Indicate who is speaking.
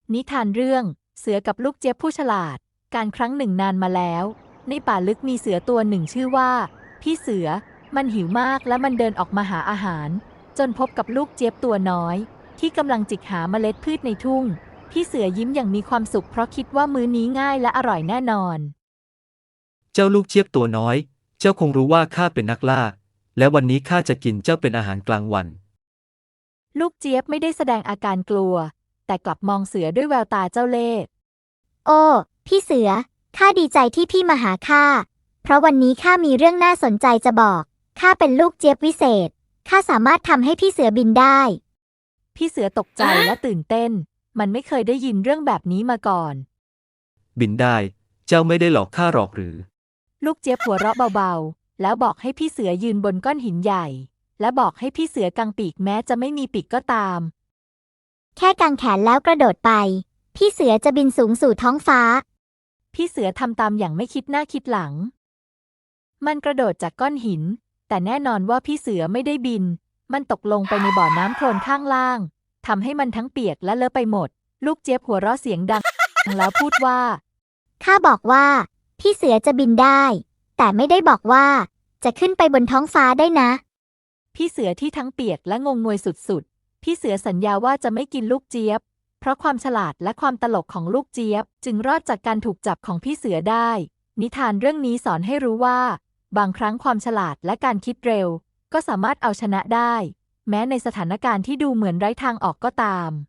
Speaker 1: นิทานเรื่องเสือกับลูกเจี๊ยบผู้ฉลาดการครั้งหนึ่งนานมาแล้วในป่าลึกมีเสือตัวหนึ่งชื่อว่าพี่เสือมันหิวมากและมันเดินออกมาหาอาหารจนพบกับลูกเจี๊ยบตัวน้อยที่กำลังจิกหาเมล็ดพืชในทุ่งพี่เสือยิ้มอย่างมีความสุขเพราะคิดว่ามื้อนี้ง่ายและอร่อยแน่นอน
Speaker 2: เจ้าลูกเจี๊ยบตัวน้อย เจ้าคงรู้ว่าข้าเป็นนักล่า และวันนี้ข้าจะกินเจ้าเป็นอาหารกลางวัน
Speaker 1: ลูกเจี๊ยบไม่ได้แสดงอาการกลัวแต่กลับมองเสือด้วยแววตาเจ้าเล่ห์
Speaker 3: โอ้พี่เสือข้าดีใจที่พี่มาหาข้าเพราะวันนี้ข้ามีเรื่องน่าสนใจจะบอกข้าเป็นลูกเจี๊ยบวิเศษข้าสามารถทำให้พี่เสือบินได้
Speaker 1: พี่เสือตกใจและตื่นเต้นมันไม่เคยได้ยินเรื่องแบบนี้มาก่อน
Speaker 2: บินได้ เจ้าไม่ได้หลอกข้าหรอกหรือ
Speaker 1: ลูกเจี๊ยบหัวเราะเบาๆแล้วบอกให้พี่เสือยืนบนก้อนหินใหญ่และบอกให้พี่เสือกางปีกแม้จะไม่มีปีกก็ตาม
Speaker 3: แค่กางแขนแล้วกระโดดไปพี่เสือจะบินสูงสู่ท้องฟ้า
Speaker 1: พี่เสือทำตามอย่างไม่คิดหน้าคิดหลังมันกระโดดจากก้อนหินแต่แน่นอนว่าพี่เสือไม่ได้บินมันตกลงไปในบ่อน้ำโคลนข้างล่างทำให้มันทั้งเปียกและเลอะไปหมดลูกเจี๊ยบหัวเราะเสียงดังแล้วพูดว่า
Speaker 3: ข้าบอกว่าพี่เสือจะบินได้แต่ไม่ได้บอกว่าจะขึ้นไปบนท้องฟ้าได้นะ
Speaker 1: พี่เสือที่ทั้งเปียกและงงงวยสุดๆพี่เสือสัญญาว่าจะไม่กินลูกเจี๊ยบเพราะความฉลาดและความตลกของลูกเจี๊ยบจึงรอดจากการถูกจับของพี่เสือได้นิทานเรื่องนี้สอนให้รู้ว่าบางครั้งความฉลาดและการคิดเร็วก็สามารถเอาชนะได้แม้ในสถานการณ์ที่ดูเหมือนไร้ทางออกก็ตาม